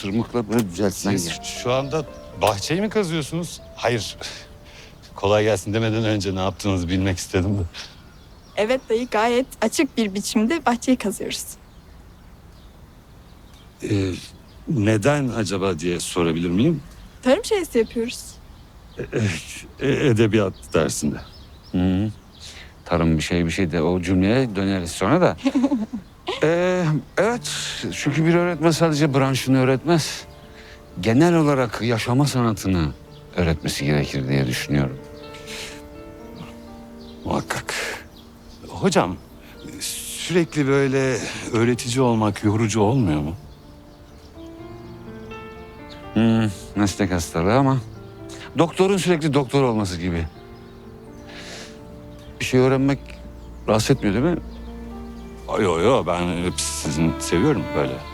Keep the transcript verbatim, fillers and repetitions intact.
tırmıkla böyle düzeltmen Siz gerek. şu anda bahçeyi mi kazıyorsunuz? Hayır. Kolay gelsin demeden önce ne yaptığınızı bilmek istedim de. Evet dayı, gayet açık bir biçimde bahçeyi kazıyoruz. Ee, neden acaba diye sorabilir miyim? Tarım şeysi yapıyoruz. E, edebiyat dersinde. Hı. Tarım bir şey bir şey de o cümleye döneriz sonra da. Ee, evet, çünkü bir öğretmen sadece branşını öğretmez. Genel olarak yaşama sanatını öğretmesi gerekir diye düşünüyorum. Muhakkak. Hocam, sürekli böyle öğretici olmak yorucu olmuyor mu? Hmm, meslek hastalığı ama doktorun sürekli doktor olması gibi. Bir şey öğrenmek rahatsız etmiyor değil mi? Yo yo, ben hep sizin seviyorum böyle.